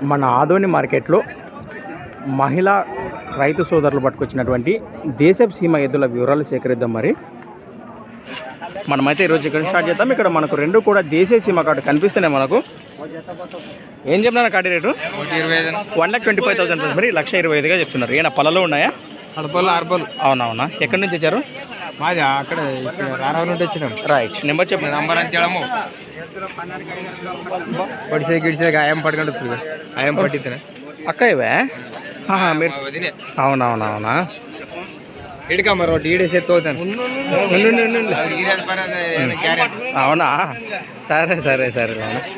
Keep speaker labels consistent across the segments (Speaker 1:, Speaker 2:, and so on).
Speaker 1: మన ఆదోని మార్కెట్లో మహిళా రైతు సోదరులు పట్టుకొచ్చినటువంటి దేశపు సీమ ఎద్దుల వివరాలు సేకరిద్దాం. మరి మనమైతే ఈరోజు ఇక్కడ స్టార్ట్ చేద్దాం. ఇక్కడ మనకు రెండు కూడా దేశీయ సీమ కార్డు కనిపిస్తున్నాయి. మనకు ఏం చెప్తున్నారు కాటి రేటు? 1,25,000 మరి 1,25,000గా చెప్తున్నారు. ఏమైనా పళ్ళలో ఉన్నాయా?
Speaker 2: అరపలు.
Speaker 1: అవునవునా, ఎక్కడి నుంచి వచ్చారు?
Speaker 2: మాది అక్కడ రారావు నుండి వచ్చినాం.
Speaker 1: రైట్, నెంబర్ చెప్పండి.
Speaker 2: నంబర్ అంతేడము పడిసే గిడిసే ఆయం పట్టుకుంటు వచ్చి ఆయం పట్టిద్దా
Speaker 1: అక్క ఇవే మీరు? అవునవునవునా,
Speaker 2: ఇడికమ్మ రోడ్డు ఈడేసే తోతాను.
Speaker 1: అవునా, సరే సరే సరే.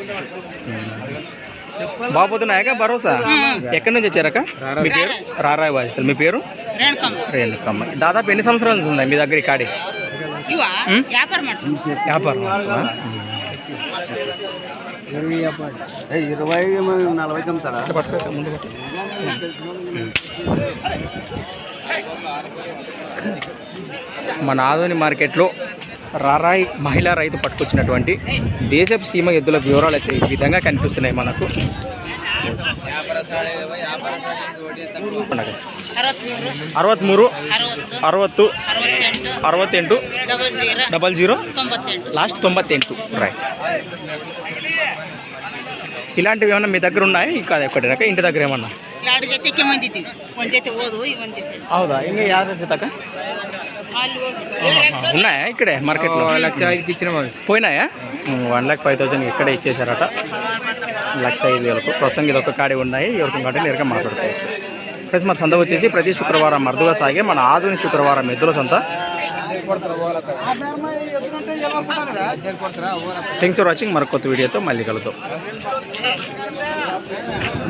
Speaker 1: బాగుపోతున్నాయాక భరోసా? ఎక్కడి నుంచి వచ్చారక్క? మీ పేరు? రారాయి బాధ్యతలు. మీ పేరు? రేణుకమ్మ. దాదాపు ఎన్ని సంవత్సరాల నుంచి ఉందా మీ దగ్గర ఈ కాడి? వ్యాపారం.
Speaker 2: 20-40 అమ్ముతారా?
Speaker 1: మన ఆదోని మార్కెట్లో రారాయి మహిళా రైతు పట్టుకొచ్చినటువంటి దేశపు సీమ ఎద్దుల వివరాలు అయితే ఈ విధంగా కనిపిస్తున్నాయి మనకు. 63 60 68 00 లాస్ట్ 98. రైట్, ఇలాంటివి ఏమన్నా మీ దగ్గర ఉన్నాయి? ఇంకా ఎక్కడినాక ఇంటి దగ్గర ఏమన్నా? ಹೌದಾ, ಹಿಂಗೆ ಯಾರ ಜೊತೆಕ ఉన్నాయా ఇక్కడే మార్కెట్లో?
Speaker 2: 1,05,000 ఇచ్చిన
Speaker 1: పోయినాయా? 1,05,000 ఇక్కడే ఇచ్చేసారట. 1,05,000. ప్రస్తుతం ఇది ఒక కాడి ఉన్నాయి. ఎవరికి కాడి నేరుగా మాట్లాడుకోవచ్చు. ప్లస్ మన సంత వచ్చేసి ప్రతి శుక్రవారం అరుదుగా సాగే మన ఆధునిక శుక్రవారం ఎద్దుల సంత. Thanks for watching. మరొక కొత్త వీడియోతో మళ్ళీ కలుద్దాం.